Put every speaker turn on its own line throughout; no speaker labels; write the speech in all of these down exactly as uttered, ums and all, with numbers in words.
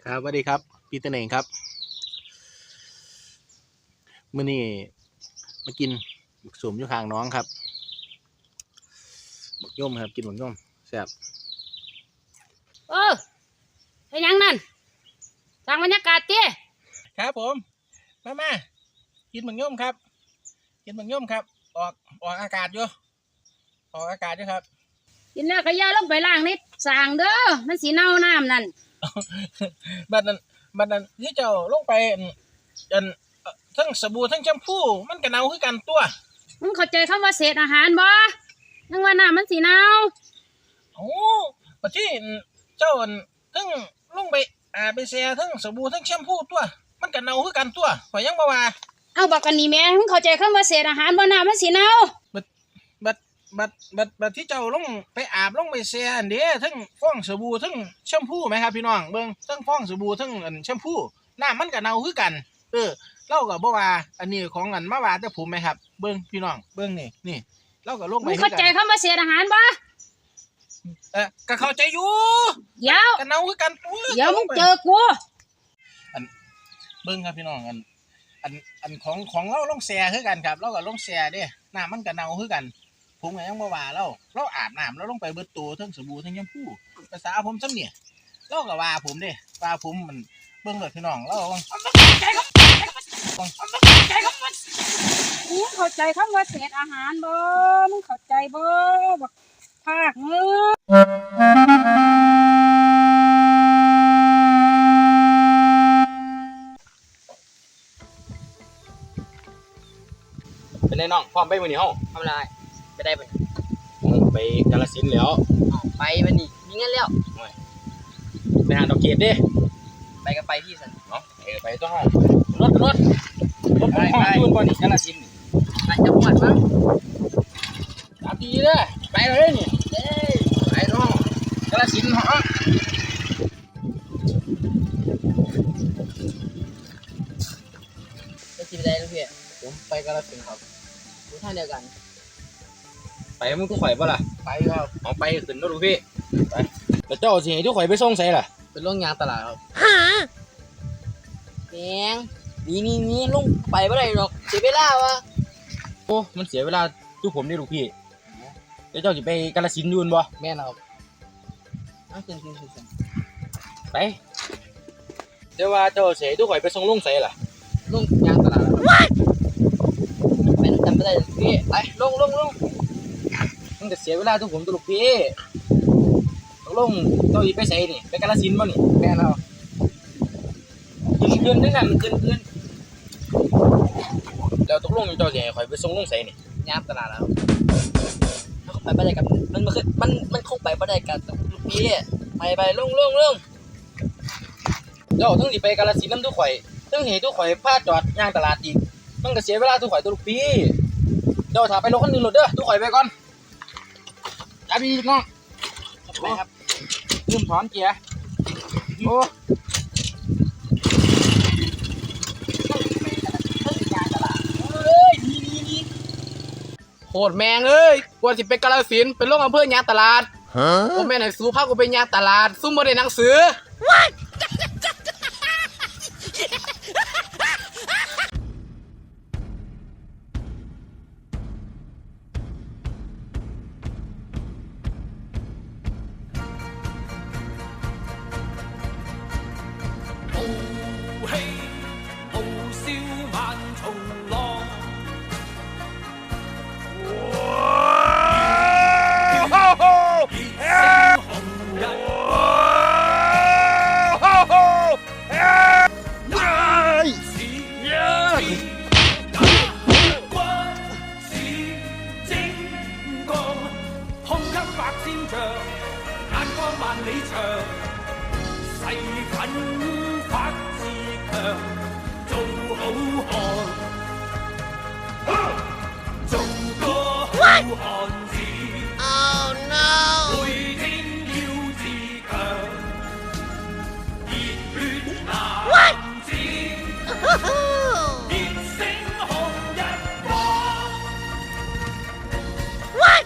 ครับสวัสดีครับปีเตอร์เองครับมื้อนี้มากินหมึกสุ่มอยู่ข้างน้องครับหมึกย่อมครับกินหมึกย่อมแซ่บ
เออเป็นยังนั่นสร้างบรรยากาศเตี้ย
ครับผมมามากินหมึกย่อมครับกินหมึกย่อมครับออกออกอากาศอยู่ออกอากาศอยู่ครับ
กินแล้วก็อย่าลงไปล้างในสางเด้อมันสีเน่าน้ำนั่น
บัดนั้นบัดนั้นที่เจ้าลงไปอันทั้งสบู่ทั้งแชมพูมันก็เน่าคือกันตัว
มึงเข้าใจคำว่าเศษอาหารบ่ยังว่าน้ำมันสีเน่า
โอ้บัดที่เจ้าทั้งลงไปอาไปแช่ทั้งสบู่ทั้งแชมพูตัวมันก็เน่าคือกันตัวข่อยยังบ่ว่า
เอาบักกันนี่แม่มึงเข้าใจคำว่าเศษอาหารบ่น้ำมันสีเน่า
บัดบัดบัดบัดบัดที่เจ้าลงไปอาบลงไปแช่อันเด้ทั้งฟองสบู่ทั้งแชมพูไหมครับพี่น้องเบิ่งทั้งฟองสบู่ทั้งอันแชมพูน้ำมันก็เน่าคือกันเออเราก็บ่ว่าอันนี้ของอันมาว่าแต่ผมไหมครับเบิ่งพี่น้องเบิ่งนี่นี่เราก็ลงไป
มึงเข้าใจคำว่าเศษอาหารบ่
เออก็เข้าใจอยู่
เดี๋ยว
ก็เน่าคือกันตัว
เดี๋ยวมึงเจอกู
อันเบิ่งครับพี่น้องอันอันอันของของเราลงแช่คือกันครับเราก็ลงแช่เด้น้ำมันก็เน่าคือกันผมก็ยังบ่ว่าเราเราอาบน้ำเราลงไปเบิดตัวทั้งสบู่ทั้งแชมพูภาษาผมซ้ำเนี่ยเราก็ว่าผมเด้ว่าผมมันเบิ่งเลยพี่น้องเราว่า
มึงเข้าใจคำว่าเศษอาหารบ่มึงเข้าใจบ่บักภาคมึง
เป็นไงน้องพร้อมไปมื้อนี้เฮา
ทำอะไรไปได้ปะ
ไปกาฬสินธุ์แล้ว
ไปมันนี่มีเงินแล้ว
ไปหาดอกเกดเด้
ไปก็ไปพี่สัน
เนาะเออไปตัวเฮารถรถรถไปไปยุ่นบ่นี่กาฬสินธุ์
ไปจังหวัดมั้ง
ตามดีเด้อไปเลยนี่เอ้ยไปน้องกาฬสินธุ์ฮะ
จะกินอะไรลูกพี่
ผมไปกาฬสินธุ์ครับ
รู้ท่าเดียวกัน
ไปมึงทุกข่อยป่ะล่ะไปครับเอาไปขึ้นรถลูกพี่ไปแต่เจ้าสิให้ทุกข่อยไปส่งใส่ล่ะ
เป็นโรงงานตลาดครับฮะแมงนี่นี่นี่ลงไปเมื่อไรหรอกเสียเวลาวะ
โอ้มันเสียเวลาทุกผมนี่ลูกพี่แล้วเจ้าจะไปกาฬสินธุ์ยูนบ่
แม่นครับเอาขึ้นขึ้นขึ้น
ไปเดี๋ยวว่าเจ้าเสียทุกข่อยไปส่งลงใส่ล่ะ
ลงงานตลาดไปจำไม่ได้พี่ไปลงลงลง
มันจะเสียเวลาทุกผมตัวลูกพี่ตกลงเจ้าอีไปใส่นี่ไปกาฬสินธุ์บ่นี่
แม่นครับ
ขึ้นขึ้นนึงอ่ะมันขึ้นขึ้นแล้วตกลงเจ้าจะให้ข่อยไปส่งลงใส่นี่
งานตลาดแล้วเขาไปไม่ได้กับมันมันคือมันมันคงไปไม่ได้กับลูกพี่ไปไปลงลงลง
เจ้าทั้งสิไปกาฬสินธุ์นำทุกข่อยทั้งเหตุทุกข่อยพาจอดย่างตลาดอีกมันก็เสียเวลาทุกข่อยตัวลูกพี่เจ้าถ้าไปรถคันนึงรถเด้อทุกข่อยไปก่อนจับดีน้องไปครับลืมถอนเกียร์โอ้
โคตรแมงเอ้ยกว่าสิไปกาฬสินธุ์เป็นโรงอำเภอยางตลาดโอ้แม่ไหนสู้ภาคกูไปยางตลาดซุ่มบ่ได้หนังสือ
萬里長，誓奮發自強，做好漢，做個好漢子。Oh no！ 每天要自強，熱血男子，熱星紅日光。What？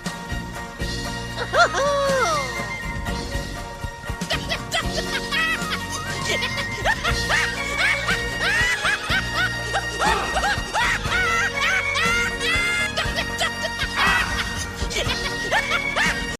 เ
Yeah.